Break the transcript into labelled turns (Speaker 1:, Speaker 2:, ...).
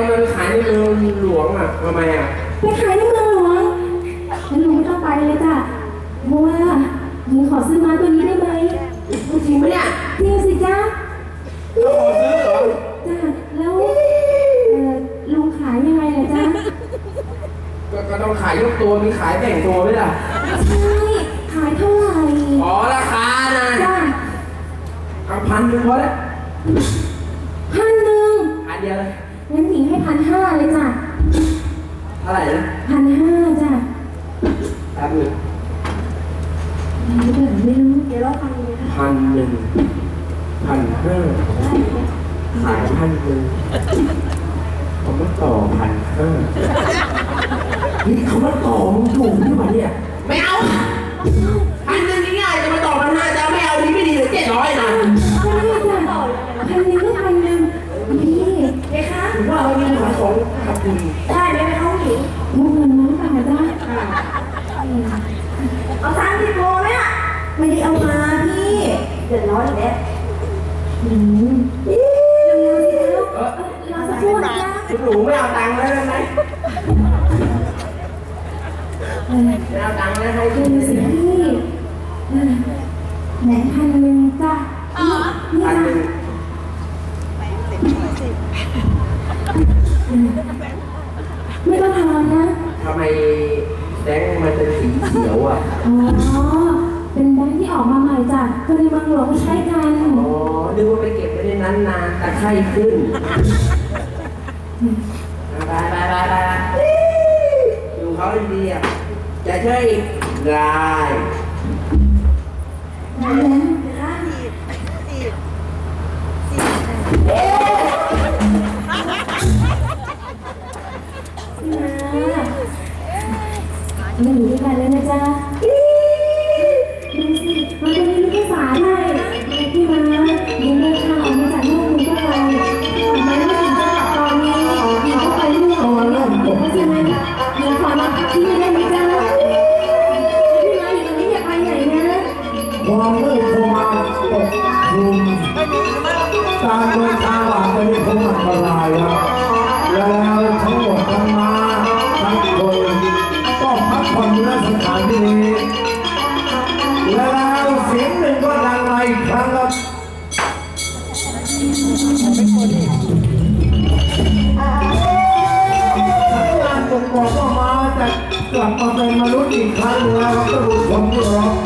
Speaker 1: มันขายในเมืองหลวงอ่ะทำไมอ่ะ
Speaker 2: ไปขายในเมืองหลวงงั้นลุงไม่ต้องไปเลยจ้ะเพราะว่าหญิงขอซื้อม้าตัวนี้ได้ไหม
Speaker 1: จริงไหมเนี่ย
Speaker 2: จริงสิจ๊ะ
Speaker 1: เราขอซื้อเหรอ
Speaker 2: จ้ะแล้วลุงขายยังไงล่ะจ๊ะ
Speaker 1: ก็ต้องขายยกตัวมีขายแบ่งตัวไหมล่ะ
Speaker 2: ใช่ขายเท่าไหร่
Speaker 1: อ๋อราคานะ
Speaker 2: จ้ะ
Speaker 1: เอา1,000พอแล้ว
Speaker 2: 1,000
Speaker 1: เดียวเลย
Speaker 2: งั้นหญิงให้1,500เลยจ้ะ
Speaker 1: เท่าไหร่นะ
Speaker 2: 1,500จ้ะ
Speaker 1: แป๊บนึง
Speaker 2: ไม่รู้เดี๋ยวเราฟังเลยนะ
Speaker 1: 1,000 1,500ขาย1,000ผมมาต่อ1,500นี่เขามาต่อมึงถูกที่ไหนเนี่ยไม่เอา1,000ง่ายๆจะมาต่อ1,500จะไม่เอาดีไม่ดีเลย700นะ
Speaker 2: ไม่ได้จ้ะ1,000ก็1,000พี่เด็กคะ
Speaker 1: ถือว่าเรามีขายของขับคุณ
Speaker 2: ได้ไหมไปเข้าหญิงมุกเงินมั้งป่ะจ๊ะเอา30โลไหมอ่ะไม่ได้เอามาพี่เดือดร้อนแล้วเร็วๆสิเราสักครู่นะ
Speaker 1: คุณหนูไม่เอาตังค์แล้วได้ไหมไม่เอาตังค์แล้วให้
Speaker 2: ดูสิพี่ไหน1,000จ้ะนี่นะไม่ต้องทำนะ
Speaker 1: ทำไมแดงมันเป็นสีเขียวอ่ะ
Speaker 2: อ๋อเป็นแบงค์ที่ออกมาใหม่จ้ะคนในบางหลวงใช้กัน
Speaker 1: อ๋อนึกว่าไปเก็บไว้ในนั้นนานแต่ไข้ขึ้นไปดูเขาดีๆอ่ะจะช่วยได้
Speaker 2: นั่นแหละมาอยู่ด้วยกันแล้วนะจ๊ะดูสิมันจะมีลูกภาษาไทยที่มายิงเดินทางออกมาจากโลกนี้ก็ไปทำไมไม่ถึงจะกลับตอนนี้ยิงก็ไปเรื่องเพราะฉะนั้นยิงขอรับที่ไม่ได้ไหมจ๊ะพี่มาอยู่ตรงนี้อย่าไปไหนนะ
Speaker 3: ความมืดเข้ามาปกคลุมการเดินทางอาจจะมีความอันตรายครับแล้วทั้งหมดทั้งมาทั้งคนต้องพักผ่อนอยู่ในสถานที่นี้แล้วเสียงหนึ่งก็ดังมาอีกครั้งครับสัญญาณบ่งบอกว่ามาจะกลับมาเป็นมนุษย์อีกครั้งแล้วก็ดูชมที่รอ